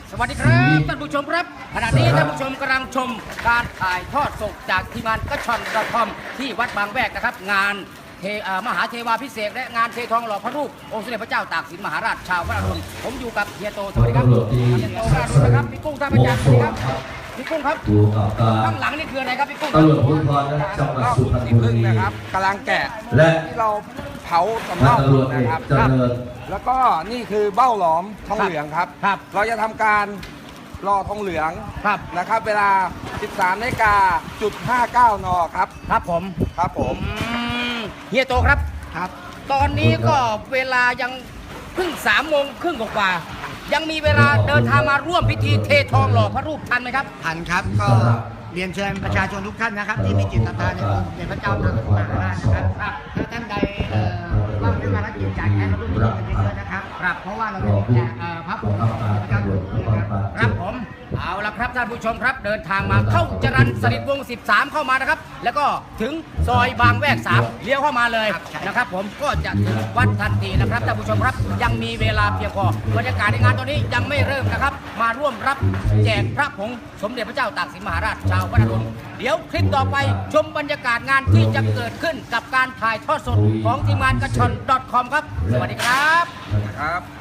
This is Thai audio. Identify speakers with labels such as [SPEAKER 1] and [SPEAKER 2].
[SPEAKER 1] สวัสดีครับท่านผู้ชมครับขณะนี้ท่านผู้ชมกำลังชมการถ่ายทอดสดจากทีมงานกระชอนกระทอมที่วัดบางแวกนะครับงานมหาเทวาพิเศษและงานเททองหล่อพระรูปองค์สมเด็จพระเจ้าตากสินมหาราชชาวพระอรุณผมอยู่กับเฮียโตสวัสดีครับเฮียโตพระอรุณนะครับพี่กุ้งท่านประจักษ์สวัสดีครับพี่กุ้งครับข้างหลังนี่คืออะไรครับพี่กุ้ง
[SPEAKER 2] ตำรวจภูธรจังหวัดสุพรรณบุรี
[SPEAKER 3] นะครับกำลังแกะ
[SPEAKER 2] และ
[SPEAKER 3] ที่เราเผาสำเนา
[SPEAKER 2] ตำรวจเอ
[SPEAKER 3] นะ
[SPEAKER 2] ก
[SPEAKER 3] ครับ
[SPEAKER 2] เจริญ
[SPEAKER 3] แล้วก็นี่คือเบ้าหลอมทองเหลืองครับ
[SPEAKER 1] ครับ
[SPEAKER 3] เราจะทำการรอทองเหลือง
[SPEAKER 1] ครับ
[SPEAKER 3] นะครับ เวลา 13 นาฬิกาจุด59 นครับ
[SPEAKER 1] ครับผม
[SPEAKER 3] ครับผม
[SPEAKER 1] เฮียโตครับ
[SPEAKER 3] ครับ
[SPEAKER 1] ตอนนี้ก็เวลายังเพิ่ง3:30กว่าๆยังมีเวลาเดินทางมาร่วมพิธีเททองหล่อพระรูปทันไหมครับ
[SPEAKER 4] ทันครับก็เรียนเชิญประชาชนทุกท่านนะครับ ที่มีจิตศรัทธาในองค์สมเด็จพระเจ้าตากสินมหาราชนะครับถ้าท่านใดว่างด้วยภารกิจจากแอร์ร่วมกันเยอะๆนะครับเพราะว่าเราจะแจกพระผงสมเด็จพระเจ้าตากสินนะครับ
[SPEAKER 1] ครับผมเอาละครับท่านผู้ชมครับเดินทางมาเข้าจรัญสฤษดิ์วงศ์13 เข้ามานะครับ แล้วก็ถึงซอยบางแวก3เลี้ยวเข้ามาเลยนะครับ ผมก็จะถึงวัดทันทีนะครับท่านผู้ชมครับยังมีเวลาเพียงพอบรรยากาศในงานตอนนี้ยังไม่เริ่มนะครับ มาร่วมรับแจกพระผงสมเด็จพระเจ้าตากสินมหาราชชาวพระนครเดี๋ยวคลิปต่อไปชมบรรยากาศงานที่จะเกิดขึ้นกับการถ่ายทอดสดของทีมงานกระชอน .com ครับสวัสดีครับ
[SPEAKER 3] ครับ